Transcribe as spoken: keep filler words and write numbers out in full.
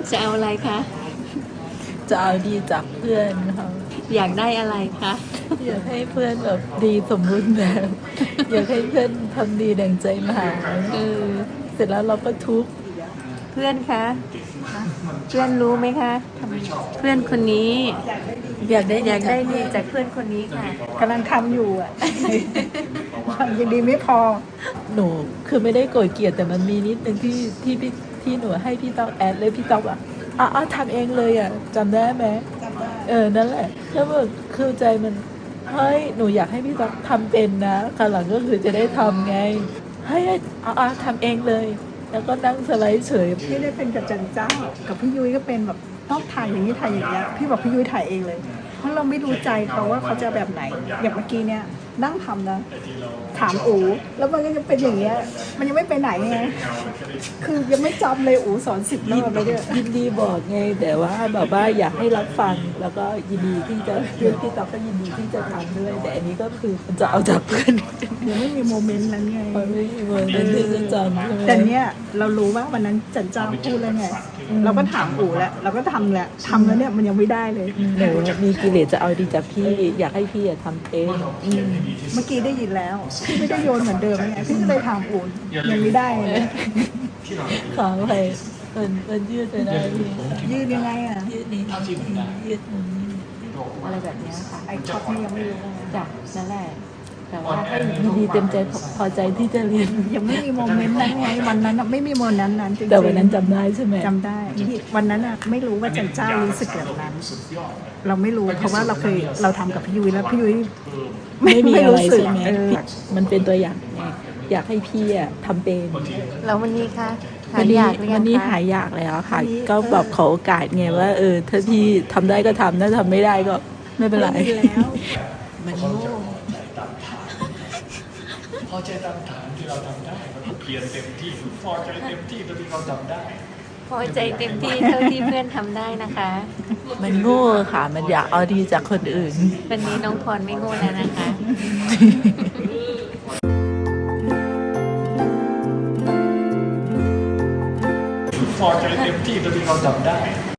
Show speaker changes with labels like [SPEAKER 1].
[SPEAKER 1] จะเอาอะไรคะ
[SPEAKER 2] จะเอาดีจากเพื่อนค่ะ
[SPEAKER 1] อยากได้อะไรคะ
[SPEAKER 2] อยากให้เพื่อนแบบดีสมบูรณ์แบบ อยากให้เพื่อนทำดีดังใจหมาย
[SPEAKER 1] เออ
[SPEAKER 2] เสร็จแล้วเราก็ทุกข์
[SPEAKER 1] เพื่อนคะเพื่อนรู้ไหมคะ เพื่อนคนนี้
[SPEAKER 2] อยากได้
[SPEAKER 1] อยากได้ดีจากเพื่อนคนนี้ค่ะ
[SPEAKER 3] กำลังทำอยู่อ่ะ ยังดีไม่พอ
[SPEAKER 2] หนูคือไม่ได้โกรธเกลียดแต่มันมีนิดนึงที่ที่พี่ที่หนูให้พี่ต๊อกแอดเลยพี่ต๊อกอ่ะอ๋อทำเองเลยอ่ะจำได้ไหมเออนั่นแหละแล้วแบบคือใจมันเฮ้ยหนูอยากให้พี่ต๊อกทำเป็นนะคราวหลังก็คือจะได้ทำไงให้อ๋อทำเองเลย แล้วก็นั่งสไลด์เฉย
[SPEAKER 3] พี่ได้เป็นกับจันเจ้า กับพี่ยุ้ยก็เป็นแบบต้องถ่ายอย่างนี้ถ่ายอย่างเงี้ยพี่บอกพี่ยุ้ยถ่ายเองเลย เพราะเราไม่รู้ใจเขาว่าเขาจะแบบไหน อย่างเมื่อกี้เนี่ยนั่งทำนะ ถามอูแล้วมันก็จะเป็นอย่างเงี้ย มันยังไม่ไปไหนไง คือยังไม่จำเลยอูสอนสิบรอบเลยเนี่ย
[SPEAKER 2] ยินดีบอกไงแต่ว่าแบบว่าอยากให้รับฟังแล้วก็ยินดีที่จะพี่พี่ต๊อกก็ยินดีที่จะทำด้วย แต่อันนี้ก็คือมันจะเอาจากเพื่อน
[SPEAKER 3] ยังไม่มีโมเมนต์นั้นไง
[SPEAKER 2] มันไม่มีวันนั้นที่จะจำใช่ไหม
[SPEAKER 3] แต่เนี้ยเรารู้ว่าวันนั้นจันเจ้าพูดแล้วไง เราก็ถามอูแล้วเราก็ทำแหละทำแล้วเนี่ยมันยังไม่ได้เลย
[SPEAKER 2] หนูมีกิเลสจะเอาดีจากพี่อยากให้พี่อะทำเองอืม
[SPEAKER 3] เมื่อกี้ได้ยินแล้วพี่ไม่ได้โยนเหมือนเดิมไงพี่ก็เลยถามอูยังไม่ได้เลย
[SPEAKER 2] ขอไปมันมันยืดไปได้พี่
[SPEAKER 3] ยืดยังไงอ่ะ
[SPEAKER 2] ยืดนี้ยืดนี้อะไรแบบเนี้ยค่ะ
[SPEAKER 3] ไอ้ช็อตนี่ยังไม่รู้เลย
[SPEAKER 2] จ้ะนั่นแหละแต่ว่าให้ยินดีเต็มใจพอใจที่จะเรียน
[SPEAKER 3] ยังไม่มีโมเมนต์นั้นไงวันนั้นน่ะไม่มีโมเมนต์นั้นนั้นจริงๆ
[SPEAKER 2] แต่วันนั้นจำได้ใช่ไหม
[SPEAKER 3] จำได้ที่วันนั้นอ่ะไม่รู้ว่าจันเจ้ารู้สึกแบบนั้น เราไม่รู้เพราะว่าเราเคยเราทำกับพี่ยุ้ยแล้วพี่ยุ้ย
[SPEAKER 2] ไม่มีอะไร
[SPEAKER 3] สึก
[SPEAKER 2] ใช่ไหม
[SPEAKER 3] เออ
[SPEAKER 2] มันเป็นตัวอย่างไงอยากให้พี่อะทำเป็น
[SPEAKER 1] แล้ววันนี้คะหา
[SPEAKER 2] วัน
[SPEAKER 1] ย
[SPEAKER 2] นี้
[SPEAKER 1] อยากหรือยั
[SPEAKER 2] วั
[SPEAKER 1] ง
[SPEAKER 2] นนี้
[SPEAKER 1] คะ
[SPEAKER 2] หายอยากแล้วค่ะ ก็แบบขอโอกาสไงว่าเออถ้าพี่ทำได้ก็ทำถ้าทำไม่ได้ก็ไม่เป็นไร
[SPEAKER 3] ไม่มีแล้ว
[SPEAKER 2] มันโง่
[SPEAKER 4] พอใจตามฐานที่เราทำได้เราเพียรเต็มที่พอใจเต็มที่เท่าที่เราทำได้
[SPEAKER 1] พอใจเต็มที่เท่าที่เพื่อนทำได้นะคะ
[SPEAKER 2] มันโง่ค่ะ มันอยากเอาดีจากคนอื่น
[SPEAKER 1] วันนี้น้องพรไม่โง่แล้วนะคะ
[SPEAKER 4] พอใจเต็มที่เท่าที่เราทำได้